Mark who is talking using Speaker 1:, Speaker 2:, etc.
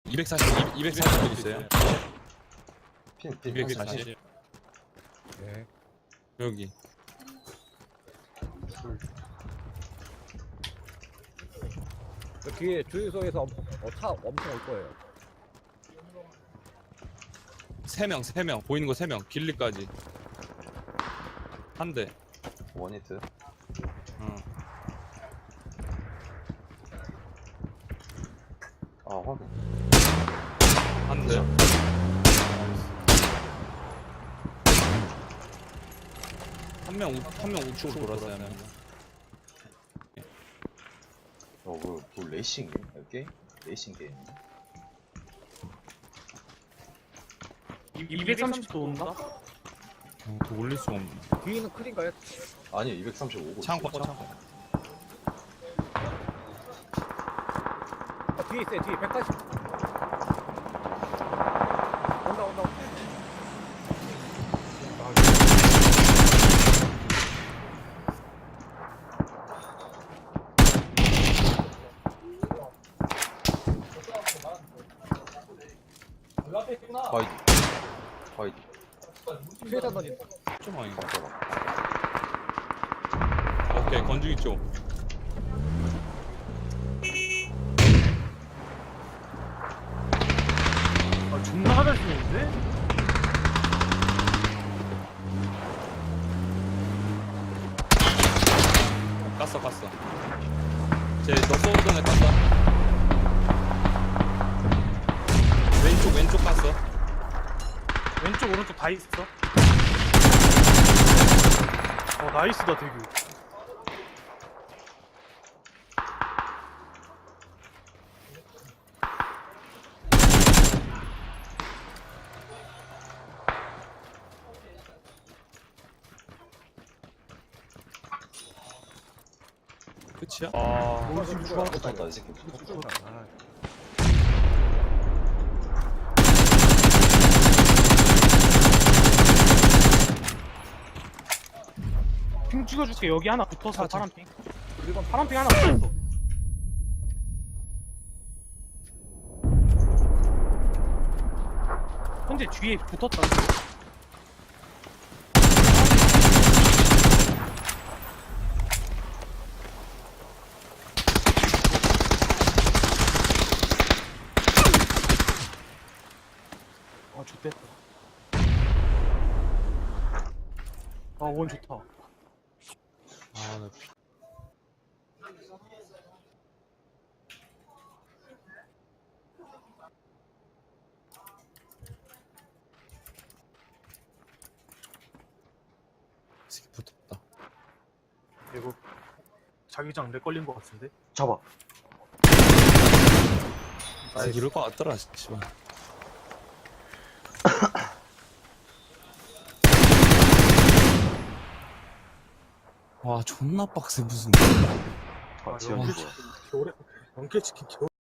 Speaker 1: 240도 있어요.
Speaker 2: 핀
Speaker 1: 240.
Speaker 3: 네.
Speaker 1: 여기.
Speaker 3: 그 뒤에 주유소에서 차 엄청 올 거예요.
Speaker 1: 3명. 보이는 거 3명. 길리까지. 한 대.
Speaker 2: 원히트.
Speaker 1: 응.
Speaker 2: 아 확인.
Speaker 1: 한 대. 한 명 우측으로 돌았어요.
Speaker 2: 뭐 레이싱 게임? 레이싱 게임.
Speaker 4: 230도 온다?
Speaker 1: 더 올릴 수가 없네.
Speaker 3: 뒤에는 클인가요?
Speaker 2: 아니 235고.
Speaker 1: 창고.
Speaker 3: 뒤에 있어요. 뒤에 180. 온다.
Speaker 2: 바이디.
Speaker 3: 수혜단 던진다.
Speaker 1: 좀 아닌가? 오케이, 건중이 쪽.
Speaker 4: 아, 존나 하잘 쓰는데?
Speaker 1: 깠어. 너 쏘던 애 깠어. 왼쪽 깠어.
Speaker 4: 왼쪽, 오른쪽 다 있어. 나이스다, 되게.
Speaker 1: 끝이야?
Speaker 4: 우리 지금 중앙
Speaker 2: 쏜다 이 새끼.
Speaker 4: 핑 찍어줄게. 여기 하나 붙어서
Speaker 1: 자.
Speaker 4: 파란핑. 파란핑 하나 붙었어. 현재 뒤에 붙었다. 좋됐다. 원 좋다.
Speaker 1: 나 새끼 붙었다.
Speaker 4: 이거 자기장 렉 걸린 것 같은데?
Speaker 2: 잡아.
Speaker 1: 이럴 것 같더라, 씨발. 와, 존나 빡세, 무슨.
Speaker 2: 지원이
Speaker 4: 연계 치킨